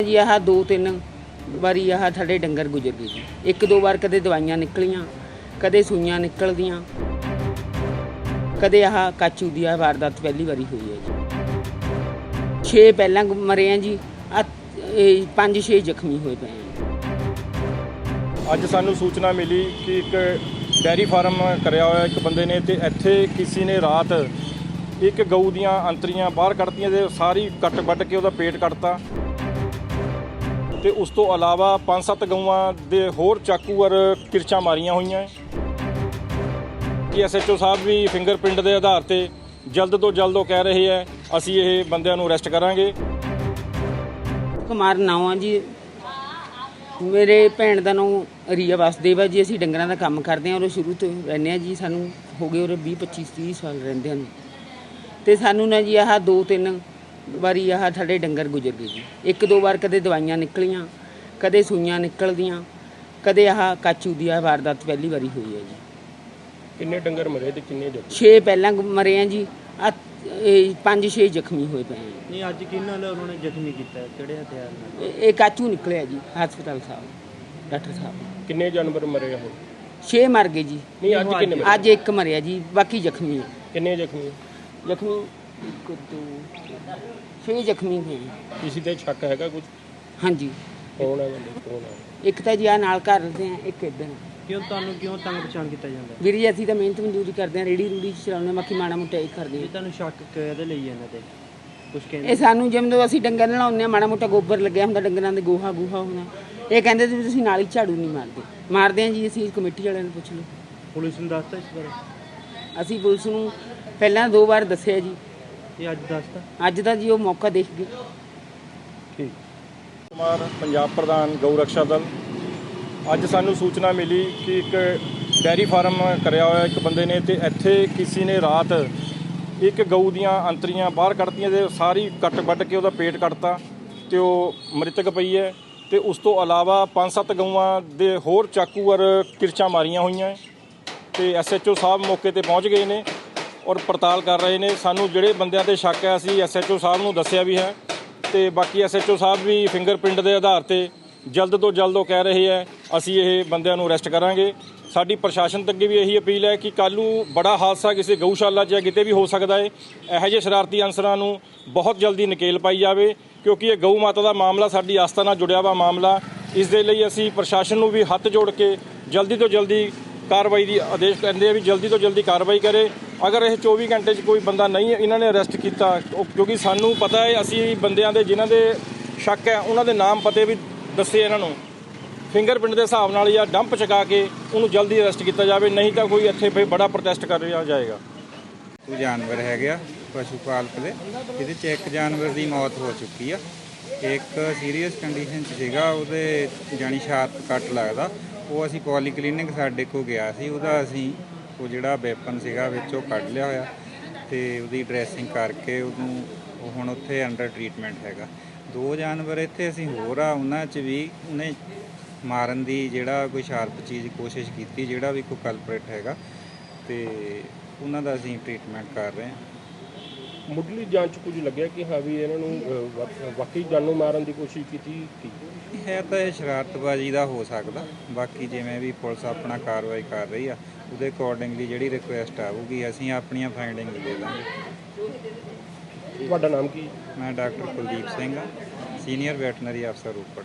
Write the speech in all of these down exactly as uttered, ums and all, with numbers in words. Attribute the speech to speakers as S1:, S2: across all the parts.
S1: जी आह दो तीन वारी आह साडे डंगर गुजर गए जी। एक दो बार कदे दवाइयां निकलियां, कदे सूइयां निकलदियां, कदे आह काचू दी आह वारदात पहली वारी हुई है जी। छे पहलां मरे हैं जी, आ पंज छे जख्मी होए पे हैं।
S2: ਅੱਜ ਸਾਨੂੰ ਸੂਚਨਾ ਮਿਲੀ ਕਿ ਇੱਕ ਡੈਰੀ ਫਾਰਮ ਕਰਿਆ ਹੋਇਆ ਇੱਕ ਬੰਦੇ ਨੇ ਤੇ ਇੱਥੇ ਕਿਸੇ ਨੇ ਰਾਤ ਇੱਕ ਗਊ ਦੀਆਂ ਅੰਤਰੀਆਂ ਬਾਹਰ ਕੱਢਤੀਆਂ ਤੇ ਸਾਰੀ ਕੱਟ ਵੱਢ ਕੇ ਉਹਦਾ ਪੇਟ ਕੱਟਤਾ ਤੇ ਉਸ ਤੋਂ ਇਲਾਵਾ ਪੰਜ ਸੱਤ ਗਊਆਂ ਦੇ ਹੋਰ ਚਾਕੂ ਔਰ ਕਿਰਚਾਂ ਮਾਰੀਆਂ ਹੋਈਆਂ ਕਿ ਐਸਐਚਓ ਸਾਹਿਬ ਵੀ ਫਿੰਗਰਪ੍ਰਿੰਟ ਦੇ ਆਧਾਰ ਤੇ ਜਲਦ ਤੋਂ ਜਲਦ ਉਹ ਕਹਿ ਰਹੇ ਹੈ ਅਸੀਂ ਇਹ ਬੰਦਿਆਂ ਨੂੰ ਅਰੈਸਟ ਕਰਾਂਗੇ।
S1: ਕੁਮਾਰ ਨਾਵਾਂ ਜੀ, ਮੇਰੇ ਭੈਣ ਦਾ ਨਾਮ ਰੀਆ ਵਾਸਦੇਵ ਹੈ ਜੀ। ਅਸੀਂ ਡੰਗਰਾਂ ਦਾ ਕੰਮ ਕਰਦੇ ਹਾਂ ਔਰ ਸ਼ੁਰੂ ਤੋਂ ਰਹਿੰਦੇ ਹਾਂ ਜੀ। ਸਾਨੂੰ ਹੋ ਗਏ ਔਰ ਵੀਹ ਪੱਚੀ ਤੀਹ ਸਾਲ ਰਹਿੰਦੇ ਹਨ ਅਤੇ ਸਾਨੂੰ ਨਾ ਜੀ ਆਹ ਦੋ ਤਿੰਨ ਵਾਰੀ ਆਹ ਸਾਡੇ ਡੰਗਰ ਗੁਜ਼ਰ ਗਏ ਜੀ। ਇੱਕ ਦੋ ਵਾਰ ਕਦੇ ਦਵਾਈਆਂ ਨਿਕਲੀਆਂ, ਕਦੇ ਸੂਈਆਂ ਨਿਕਲਦੀਆਂ, ਕਦੇ ਆਹ ਕਾਚੂ ਦੀ ਆਹ ਵਾਰਦਾਤ ਪਹਿਲੀ ਵਾਰੀ ਹੋਈ ਹੈ ਜੀ।
S2: ਕਿੰਨੇ ਡੰਗਰ ਮਰੇ ਤੇ ਕਿੰਨੇ ਜ਼ਖਮੀ?
S1: ਛੇ ਪਹਿਲਾਂ ਮਰੇ हैं जी, ਆ ਪੰਜ ਛੇ ਜ਼ਖਮੀ ਹੋਏ ਪਏ हैं।
S3: नहीं अज किन्ना उन्होंने जख्मी किया किहड़े हथियार नाल?
S1: ਇਹ ਕਾਚੂ ਨਿਕਲਿਆ ਜੀ ਹਸਪਤਾਲ ਸਾਹਿਬ, ਡਾਕਟਰ ਸਾਹਿਬ।
S2: ਕਿੰਨੇ ਜਾਨਵਰ ਮਰੇ ਹੋ?
S1: ਛੇ ਮਰ ਗਏ ਜੀ।
S2: ਨਹੀਂ ਅੱਜ ਕਿੰਨੇ ਮਰੇ?
S1: ਅੱਜ ਇੱਕ ਮਰਿਆ ਜੀ, ਬਾਕੀ ਜ਼ਖਮੀ ਹੈ।
S2: ਕਿੰਨੇ ਜ਼ਖਮੀ?
S1: ਜ਼ਖਮੀ ਇੱਕ ਦੋ ਛੇ ਜ਼ਖਮੀ ਹੋਏ ਜੀ।
S2: ਕਿਸੇ ਤੇ ਸ਼ੱਕ ਹੈਗਾ ਕੁਝ?
S1: ਹਾਂਜੀ,
S2: ਕੌਣ ਹੈ ਬੰਦੇ, ਕੌਣ ਹੈ?
S1: ਇੱਕ ਤਾਂ ਜੀ ਆ ਨਾਲ ਘਰ ਰਹਿੰਦੇ ਆ, ਇੱਕ ਇੱਧਰ।
S3: क्यों तुहानू क्यों तंग पछाण किया जाता है?
S1: ਵੀਰ ਜੀ ਅਸੀਂ ਤਾਂ ਮਿਹਨਤ ਮਜ਼ਦੂਰੀ ਕਰਦੇ ਹਾਂ, ਰੇੜੀ ਰੂੜੀ ਚਲਾਉਂਦੇ, ਬਾਕੀ ਮਾੜਾ ਮੋਟਾ ਇਹ ਕਰਦੇ
S3: जी
S1: ਹਾਂ।
S3: तुहानू शक कहदे लई इन्हां ते कुछ
S1: ਇਹ
S3: कहंदे?
S1: ਸਾਨੂੰ ਜਦੋਂ ਅਸੀਂ ਡੰਗਰ ਨਲਾਉਂਦੇ ਹਾਂ, ਮਾੜਾ ਮੋਟਾ ਗੋਬਰ ਲੱਗਿਆ ਹੁੰਦਾ ਡੰਗਰਾਂ ਦੇ, ਗੋਹਾ ਗੂਹਾ ਹੋਣਾ, ਇਹ ਕਹਿੰਦੇ ਵੀ ਤੁਸੀਂ ਨਾਲ ਹੀ ਝਾੜੂ ਨਹੀਂ ਮਾਰਦੇ। ਮਾਰਦੇ ਹਾਂ ਜੀ ਅਸੀਂ, ਕਮੇਟੀ ਵਾਲਿਆਂ ਨੂੰ ਪੁੱਛ ਲਓ।
S3: पुलिस ने दसता इस बारे?
S1: ਅਸੀਂ ਪੁਲਿਸ ਨੂੰ ਪਹਿਲਾਂ ਦੋ ਵਾਰ ਦੱਸਿਆ ਜੀ,
S3: ये अज दसता?
S1: ਅੱਜ ਦਾ ਜੀ ਉਹ ਮੌਕਾ ਦੇਖ ਗਏ।
S2: ਠੀਕ। ਕੁਮਾਰ ਪੰਜਾਬ ਪ੍ਰਧਾਨ ਗਊ ਰਕਸ਼ਾ ਦਲ। ਅੱਜ ਸਾਨੂੰ ਸੂਚਨਾ ਮਿਲੀ ਕਿ ਇੱਕ ਡੈਰੀ ਫਾਰਮ ਕਰਿਆ ਹੋਇਆ ਇੱਕ ਬੰਦੇ ਨੇ ਤੇ ਇੱਥੇ ਕਿਸੇ ਨੇ ਰਾਤ ਇੱਕ ਗਊ ਦੀਆਂ ਅੰਤਰੀਆਂ ਬਾਹਰ ਕੱਢਤੀਆਂ ਤੇ ਸਾਰੀ ਕੱਟ ਵੱਢ ਕੇ ਉਹਦਾ ਪੇਟ ਕੱਟਤਾ ਤੇ ਉਹ ਮ੍ਰਿਤਕ ਪਈ ਹੈ ਤੇ ਉਸ ਤੋਂ ਇਲਾਵਾ ਪੰਜ ਸੱਤ ਗਊਆਂ ਦੇ ਹੋਰ ਚਾਕੂ ਔਰ ਕਿਰਚਾਂ ਮਾਰੀਆਂ ਹੋਈਆਂ ਤੇ ਐਸਐਚਓ ਸਾਹਿਬ ਮੌਕੇ ਤੇ ਪਹੁੰਚ ਗਏ ਨੇ ਔਰ ਪੜਤਾਲ ਕਰ ਰਹੇ ਨੇ। ਸਾਨੂੰ ਜਿਹੜੇ ਬੰਦਿਆਂ ਤੇ ਸ਼ੱਕ ਹੈ ਅਸੀਂ ਐਸਐਚਓ ਸਾਹਿਬ ਨੂੰ ਦੱਸਿਆ ਵੀ ਹੈ ਤੇ ਬਾਕੀ ਐਸਐਚਓ ਸਾਹਿਬ ਵੀ ਫਿੰਗਰਪ੍ਰਿੰਟ ਦੇ ਆਧਾਰ ਤੇ ਜਲਦ ਤੋਂ ਜਲਦ ਉਹ ਕਹਿ ਰਹੇ ਹੈ ਅਸੀਂ ਇਹ ਬੰਦਿਆਂ ਨੂੰ ਅਰੈਸਟ ਕਰਾਂਗੇ। ਸਾਡੀ ਪ੍ਰਸ਼ਾਸਨ ਤੱਕ ਵੀ ਇਹੀ ਅਪੀਲ ਹੈ ਕਿ ਕੱਲ੍ਹ ਨੂੰ ਬੜਾ ਹਾਦਸਾ ਕਿਸੇ ਗਊਸ਼ਾਲਾ 'ਚ ਜਾਂ ਕਿਤੇ ਵੀ ਹੋ ਸਕਦਾ ਹੈ। ਇਹੋ ਜਿਹੇ ਸ਼ਰਾਰਤੀ ਅਨਸਰਾਂ ਨੂੰ ਬਹੁਤ ਜਲਦੀ ਨਕੇਲ ਪਾਈ ਜਾਵੇ ਕਿਉਂਕਿ ਇਹ ਗਊ ਮਾਤਾ ਦਾ ਮਾਮਲਾ ਸਾਡੀ ਆਸਥਾ ਨਾਲ ਜੁੜਿਆ ਵਾ ਮਾਮਲਾ। ਇਸ ਦੇ ਲਈ ਅਸੀਂ ਪ੍ਰਸ਼ਾਸਨ ਨੂੰ ਵੀ ਹੱਥ ਜੋੜ ਕੇ ਜਲਦੀ ਤੋਂ ਜਲਦੀ ਕਾਰਵਾਈ ਦੀ ਆਦੇਸ਼ ਕਰਦੇ ਆ ਵੀ ਜਲਦੀ ਤੋਂ ਜਲਦੀ ਕਾਰਵਾਈ ਕਰੇ। ਅਗਰ ਇਹ ਚੌਵੀ ਘੰਟੇ 'ਚ ਕੋਈ ਬੰਦਾ ਨਹੀਂ ਇਹਨਾਂ ਨੇ ਅਰੈਸਟ ਕੀਤਾ, ਕਿਉਂਕਿ ਸਾਨੂੰ ਪਤਾ ਹੈ ਅਸੀਂ ਬੰਦਿਆਂ ਦੇ ਜਿਨ੍ਹਾਂ ਦੇ ਸ਼ੱਕ ਹੈ ਉਹਨਾਂ ਦੇ ਨਾਮ ਪਤੇ ਵੀ ਦੱਸੇ ਇਹਨਾਂ ਨੂੰ, ਫਿੰਗਰਪ੍ਰਿੰਟ ਦੇ ਹਿਸਾਬ ਨਾਲ ਜਾਂ ਡੰਪ ਚਕਾ ਕੇ ਉਹਨੂੰ ਜਲਦੀ ਅਰੈਸਟ ਕੀਤਾ ਜਾਵੇ, ਨਹੀਂ ਤਾਂ ਕੋਈ ਇੱਥੇ ਫਿਰ ਬੜਾ ਪ੍ਰੋਟੈਸਟ ਕਰ ਰਿਹਾ ਜਾਏਗਾ।
S4: ਉਹ ਜਾਨਵਰ ਹੈਗੇ ਆ ਪਸ਼ੂ ਪਾਲਕ ਦੇ, ਇਹਦੇ 'ਚ ਇੱਕ ਜਾਨਵਰ ਦੀ ਮੌਤ ਹੋ ਚੁੱਕੀ ਆ, ਇੱਕ ਸੀਰੀਅਸ ਕੰਡੀਸ਼ਨ 'ਚ ਸੀਗਾ, ਉਹਦੇ ਜਾਣੀ ਸ਼ਾਰਪ ਕੱਟ ਲੱਗਦਾ। ਉਹ ਅਸੀਂ ਪੋਲੀ ਕਲੀਨਿਕ ਸਾਡੇ ਕੋਲ ਗਿਆ ਸੀ, ਉਹਦਾ ਅਸੀਂ ਉਹ ਜਿਹੜਾ ਵੈਪਨ ਸੀਗਾ ਵਿੱਚੋਂ ਕੱਢ ਲਿਆ ਹੋਇਆ ਤੇ ਉਹਦੀ ਡਰੈਸਿੰਗ ਕਰਕੇ ਉਹਨੂੰ ਉਹ ਹੁਣ ਉੱਥੇ ਅੰਡਰ ਟਰੀਟਮੈਂਟ ਹੈਗਾ। ਦੋ ਜਾਨਵਰ ਇੱਥੇ ਅਸੀਂ ਹੋਰ ਆ, ਉਹਨਾਂ 'ਚ ਵੀ ਉਹਨੇ ਮਾਰਨ ਦੀ ਜਿਹੜਾ ਕੋਈ ਸ਼ਾਰਪ ਚੀਜ਼ ਕੋਸ਼ਿਸ਼ ਕੀਤੀ, ਜਿਹੜਾ ਵੀ ਕੋਈ ਕਲਪਰੇਟ ਹੈਗਾ ਤੇ ਉਹਨਾਂ ਦਾ ਅਸੀਂ ਟਰੀਟਮੈਂਟ ਕਰ ਰਹੇ ਹਾਂ।
S2: ਮੁੱਢਲੀ ਜਾਂਚ ਕੁਝ ਲੱਗਿਆ ਕਿ ਹਾਂ ਵੀ ਇਹਨਾਂ ਨੂੰ ਵਾਕਈ ਜਾਨੋਂ ਮਾਰਨ ਦੀ ਕੋਸ਼ਿਸ਼ ਕੀਤੀ ਕੀ
S4: ਹੈ ਤਾਂ ਇਹ ਸ਼ਰਾਰਤਬਾਜ਼ੀ ਦਾ ਹੋ ਸਕਦਾ। ਬਾਕੀ ਜਿਵੇਂ ਵੀ ਪੁਲਿਸ ਆਪਣਾ ਕਾਰਵਾਈ ਕਰ ਰਹੀ ਆ ਉਹਦੇ ਅਕੋਰਡਿੰਗਲੀ ਜਿਹੜੀ ਰਿਕੁਐਸਟ ਆਊਗੀ ਅਸੀਂ ਆਪਣੀਆਂ ਫਾਈਂਡਿੰਗ ਦੇ ਦਾਂਗੇ।
S2: ਤੁਹਾਡਾ ਨਾਮ ਕੀ?
S4: ਮੈਂ ਡਾਕਟਰ ਕੁਲਦੀਪ ਸਿੰਘ ਆ, ਸੀਨੀਅਰ ਵੈਟਰਨਰੀ ਅਫਸਰ ਰੋਪੜ।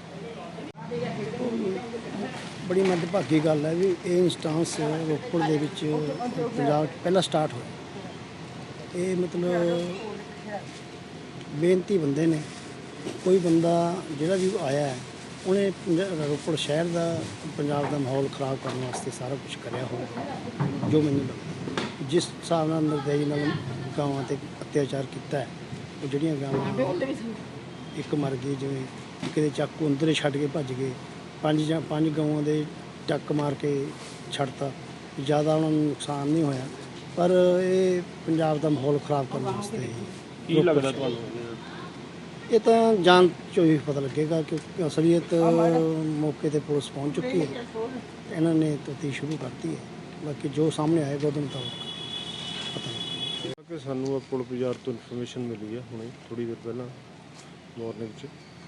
S5: ਬੜੀ ਮੰਦਭਾਗੀ ਗੱਲ ਹੈ ਵੀ ਇਹ ਇੰਸਟੈਂਸ ਰੋਪੜ ਦੇ ਵਿੱਚ ਪੰਜਾਬ 'ਚ ਪਹਿਲਾਂ ਸਟਾਰਟ ਹੋਇਆ। ਇਹ ਮਤਲਬ ਬੇਨਤੀ ਬੰਦੇ ਨੇ, ਕੋਈ ਬੰਦਾ ਜਿਹੜਾ ਵੀ ਆਇਆ ਹੈ ਉਹਨੇ ਰੋਪੜ ਸ਼ਹਿਰ ਦਾ, ਪੰਜਾਬ ਦਾ ਮਾਹੌਲ ਖ਼ਰਾਬ ਕਰਨ ਵਾਸਤੇ ਸਾਰਾ ਕੁਝ ਕਰਿਆ ਹੋਇਆ। ਜੋ ਮੈਨੂੰ ਲੱਗਦਾ ਜਿਸ ਹਿਸਾਬ ਨਾਲ ਨਿਰਦਈ ਨਾਲ ਗਾਵਾਂ 'ਤੇ ਅਤਿਆਚਾਰ ਕੀਤਾ ਹੈ, ਉਹ ਜਿਹੜੀਆਂ ਗਾਵਾਂ ਇੱਕ ਮਰ ਗਈ, ਜਿਵੇਂ ਕਿਤੇ ਚਾਕੂ ਅੰਦਰੇ ਛੱਡ ਕੇ ਭੱਜ ਗਏ, ਪੰਜ ਜਾਂ ਪੰਜ ਗਊਆਂ ਦੇ ਟੱਕ ਮਾਰ ਕੇ ਛੱਡਤਾ। ਜ਼ਿਆਦਾ ਉਹਨਾਂ ਨੂੰ ਨੁਕਸਾਨ ਨਹੀਂ ਹੋਇਆ, ਪਰ ਇਹ ਪੰਜਾਬ ਦਾ ਮਾਹੌਲ ਖ਼ਰਾਬ ਕਰਨ ਵਾਸਤੇ
S2: ਕੀ ਲੱਗਦਾ ਤੁਹਾਨੂੰ?
S5: ਇਹ ਤਾਂ ਜਾਂਚ 'ਚੋਂ ਹੀ ਪਤਾ ਲੱਗੇਗਾ ਕਿਉਂਕਿ ਅਸਲੀਅਤ ਮੌਕੇ 'ਤੇ ਪੁਲਿਸ ਪਹੁੰਚ ਚੁੱਕੀ ਹੈ, ਇਹਨਾਂ ਨੇ ਤਫਤੀਸ਼ ਸ਼ੁਰੂ ਕਰਤੀ ਹੈ। ਬਾਕੀ ਜੋ ਸਾਹਮਣੇ ਆਏਗਾ ਉਹਦੇ ਮੁਤਾਬਕ ਪਤਾ ਲੱਗੇਗਾ।
S2: ਕਿ ਸਾਨੂੰ ਪੁਲ ਬਾਜ਼ਾਰ ਤੋਂ ਇਨਫੋਰਮੇਸ਼ਨ ਮਿਲੀ ਹੈ ਹੁਣੇ ਥੋੜ੍ਹੀ ਦੇਰ ਪਹਿਲਾਂ ਮਾਰਨਿੰਗ 'ਚ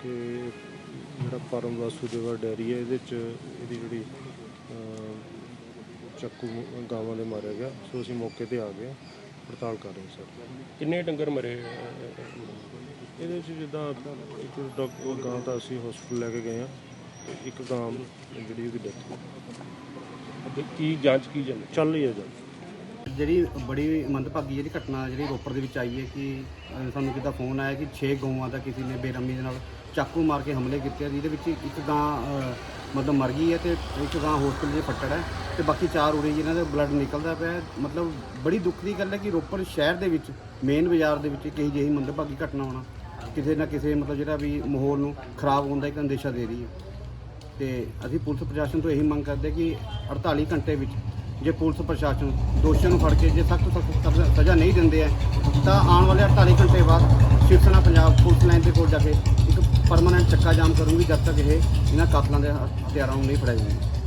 S6: ਕਿ ਜਿਹੜਾ ਪਰਮ ਵਾਸੂਦੇਵਾ ਡੈਰੀ ਹੈ ਇਹਦੇ 'ਚ ਇਹਦੀ ਜਿਹੜੀ ਅਹ, ਚੱਕੂ ਗਾਵਾਂ ਦੇ ਮਾਰਿਆ ਗਿਆ। ਸੋ ਅਸੀਂ ਮੌਕੇ ਤੇ ਆ ਗਏ, ਪੜਤਾਲ ਕਰ ਰਹੇ ਸਰ।
S2: ਕਿੰਨੇ ਡੰਗਰ ਮਰੇ?
S6: ਇਹਦੇ 'ਚ ਜਿੱਦਾਂ ਇੱਕ ਡਾਕਟਰ ਗਾਂ ਤਾਂ ਅਸੀਂ ਹਸਪੀਟਲ ਲੈ ਕੇ ਗਏ ਹਾਂ, ਤੇ ਇੱਕ ਗਾਂ ਜਿਹੜੀ ਉਹਦੀ ਡੈਥ ਹੋ
S2: ਤੇ ਕੀ ਜਾਂਚ ਕੀ ਜਾਂਦੀ?
S6: ਚੱਲ ਰਹੀ ਹੈ ਜੀ।
S7: ਜਿਹੜੀ ਬੜੀ ਮੰਦਭਾਗੀ ਜਿਹੜੀ ਘਟਨਾ ਜਿਹੜੀ ਰੋਪੜ ਦੇ ਵਿੱਚ ਆਈ ਹੈ ਕਿ ਅ, ਸਾਨੂੰ ਕਿੱਦਾਂ ਫੋਨ ਆਇਆ ਕਿ ਛੇ ਗਊਆਂ ਦਾ ਕਿਸੇ ਨੇ ਬੇਰਹਿਮੀ ਦੇ ਨਾਲ ਚਾਕੂ ਮਾਰ ਕੇ ਹਮਲੇ ਕੀਤੇ ਆ, ਜਿਹਦੇ ਵਿੱਚ ਇੱਕ ਗਾਂ ਅ, ਮਤਲਬ ਮਰ ਗਈ ਹੈ ਤੇ ਇੱਕ ਗਾਂ ਹਸਪੀਟਲ 'ਚ ਫੱਟੜ ਹੈ ਤੇ ਬਾਕੀ ਚਾਰ ਉਰੇ ਜਿਨ੍ਹਾਂ ਦਾ ਬਲੱਡ ਨਿਕਲਦਾ ਪਿਆ ਹੈ। ਮਤਲਬ ਬੜੀ ਦੁੱਖ ਦੀ ਗੱਲ ਹੈ ਕਿ ਰੋਪੜ ਸ਼ਹਿਰ ਦੇ ਵਿੱਚ ਮੇਨ ਬਾਜ਼ਾਰ ਦੇ ਵਿੱਚ ਕਈ ਜਿਹੀ ਮੰਦਭਾਗੀ ਘਟਨਾ ਹੋਣਾ ਕਿਸੇ ਨਾ ਕਿਸੇ ਮਤਲਬ ਜਿਹੜਾ ਵੀ ਮਾਹੌਲ ਨੂੰ ਖਰਾਬ ਹੋਣ ਦਾ ਇੱਕ ਅੰਦੇਸ਼ਾ ਦੇ ਰਹੀ ਹੈ। ਤੇ ਅਸੀਂ ਪੁਲਿਸ ਪ੍ਰਸ਼ਾਸਨ ਤੋਂ ਇਹੀ ਮੰਗ ਕਰਦੇ ਕਿ ਅੜਤਾਲੀ ਘੰਟੇ ਵਿੱਚ ਜੇ ਪੁਲਿਸ ਪ੍ਰਸ਼ਾਸਨ ਦੋਸ਼ੀਆਂ ਨੂੰ ਫੜ ਕੇ ਜੇ ਸਖਤ ਤੋਂ ਸਖਤ ਸਜ਼ਾ ਨਹੀਂ ਦਿੰਦੇ ਹੈ ਤਾਂ ਆਉਣ ਵਾਲੇ ਅੜਤਾਲੀ ਘੰਟੇ ਬਾਅਦ ਸ਼ਿਵ ਸੈਨਾ ਪੰਜਾਬ ਪੁਲਿਸ ਲਾਈਨ ਦੇ ਕੋਲ ਜਾ ਕੇ ਇੱਕ ਪਰਮਾਨੈਂਟ ਚੱਕਾ ਜਾਮ ਕਰੂੰਗੀ ਜਦ ਤੱਕ ਇਹ ਇਹਨਾਂ ਕਾਤਲਾਂ ਦੇ ਹਥਿਆਰਾਂ ਨੂੰ ਨਹੀਂ ਫੜਿਆ ਜਾਊਗਾ।